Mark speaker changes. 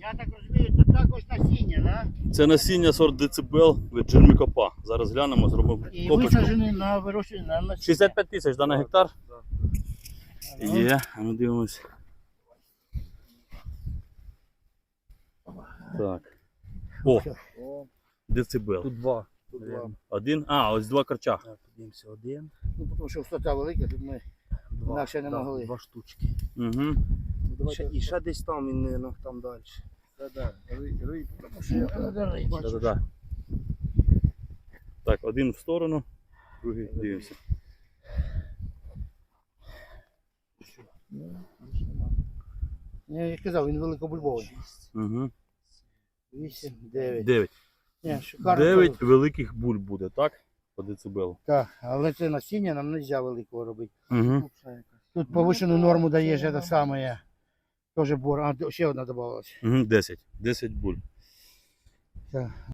Speaker 1: Я так розумію, це також насіння, да?
Speaker 2: Це насіння сорт децибел від Джермікопа. Зараз глянемо, зробимо
Speaker 1: І
Speaker 2: копочку.
Speaker 1: висаджений на вирощення на насіння.
Speaker 2: 65 тисяч на гектар? Є, а ну дивимось. Так. О, децибел.
Speaker 3: Тут два.
Speaker 2: Один? А, ось два корча.
Speaker 3: Так, подивимося, один,
Speaker 1: Ну, тому що висота велика, тут ми
Speaker 3: два.
Speaker 1: інакше не могли.
Speaker 3: Два штучки.
Speaker 2: Угу.
Speaker 3: І ще десь там, він, мабуть, там далі.
Speaker 1: Тому що я не рий.
Speaker 2: Да-да-да. Так, один в сторону, другий дивимося.
Speaker 1: Я казав, він великобульбовий.
Speaker 2: Угу.
Speaker 1: 8, 9.
Speaker 2: 9.
Speaker 1: Ні, шикарно.
Speaker 2: 9 великих буль буде, так? По децибелу.
Speaker 1: Так, але це насіння нам не можна великого робити.
Speaker 2: Угу.
Speaker 1: Тут повищену норму даєш, це саме. Теж бор. А, ще одна додавалась.
Speaker 2: Угу, 10. 10 буль.
Speaker 1: Так.